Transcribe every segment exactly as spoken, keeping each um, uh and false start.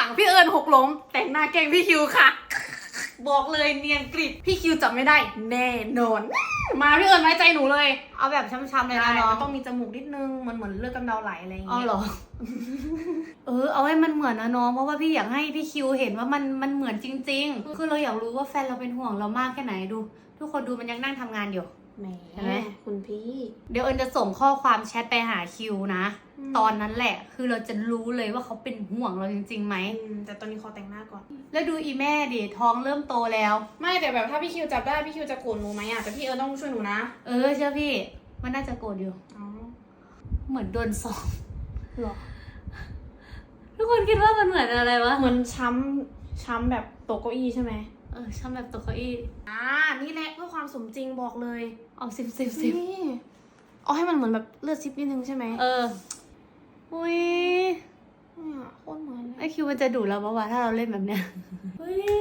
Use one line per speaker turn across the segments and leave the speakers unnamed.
งพี่เอิญหกล้มแต่งหน้าแกล้งพี่คิวค่ะ บอกเลยเนียนกริบพี่คิวจับไม่ได้แน่นอน มาพี่เอิญไว้ใจหนูเลย
เอาแบบช้ำๆเลยนะน้อง
ต้องมีจมูกนิดนึงมันเหมือนเลือดกำเดาไหลอะไรอย่าง
เอา
เงี้ย
เหรอ เออเอาให้มันเหมือนนะน้องเพราะว่าพี่อยากให้พี่คิวเห็นว่ามันมันเหมือนจริงๆคือเราอยากรู้ว่าแฟนเราเป็นห่วงเรามากแค่ไหนดู ทุกคนดูมันยังนั่งทำงานอยู่
แหม
เห็นไหม
คุณพี่
เดี๋ยวเอิญจะส่งข้อความแชทไปหาคิวนะ
อืม
ตอนนั้นแหละ คือเราจะรู้เลยว่าเขาเป็นห่วงเราจริงๆไหม
อืมแต่ตอนนี้ขอแต่งหน้าก่อน
แล้วดูอีแม่ดิท้องเริ่มโตแล้ว
ไม่แต่แบบถ้าพี่คิวจับได้พี่คิวจะโกรธหนูไหมอ่ะแต่พี่เอิญต้องช่วยหนูนะ
เออเชื่อพี่ มันน่าจะโกรธอยู่
อ๋อ
เหมือนโดนสอบ
หรอ
ทุกคนคิดว่ามันเหมือนอะไรวะ
เหมือนช้ำช้ำแบบตกเก้าอี้ใช่ไหม
เออช่างแบบตกเก้าอี้
อ่านี่แหละเพื่อความสมจริงบอกเลย
เอาสิบสิบสิบ
นี่เอาให้มันเหมือนแบบเลือดซิปนิดนึงใช่ไหม
เออ อุ้ย
เนี่ยโคตรเหมือนเล
ไอย คิวมันจะดุเราปะวะถ้าเราเล่นแบบเนี้ย เฮ้ย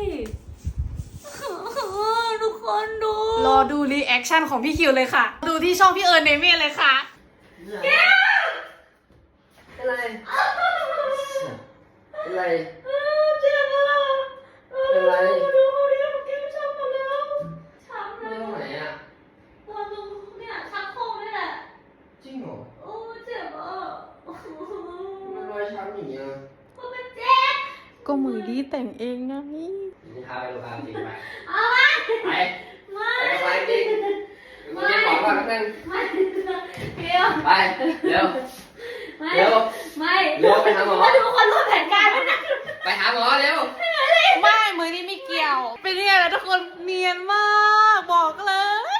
ทุกคนดู
รอดูรีแอคชั่นของพี่คิวเลยค่ะ ดูที่ช่องพี่เอิญเนเม่เลยค่ะ
อะไรอะไร
เจ็บอ่ะ
อะไร
ดูเขาเรียกเกมช้ำหมดแล้วช้ำเล
ไม่
ย
ต้องไหนอ่ะ
ตอนตรงเนี่ยชักโครกนี่แหละ
จริงเหรอ
โอ้เจ็บอ่ะ
มันรอยช้ำอย่างเงี้ย
ก็มันเจ็บ
ก็มือดีแต่งเองนะนี่
ลูกค้าไปลูกค้าจริงไป
เอาไป
ไป
ไม่
ไปไปจริงมึงเรียกของก่อนแป๊บนึง
ไม่เดี๋ยว
ไปเร็ว
ไม่
เร็ว
ไม่
เร็วไปหาหมอ
ทุกคนรู้แผนการแล้วนะ
ไปหาหมอเร็ว
ไม่มือนี้ไม่เกี่ยว เป็นยังไงล่ะทุกคนเนียนมาก บอกเลย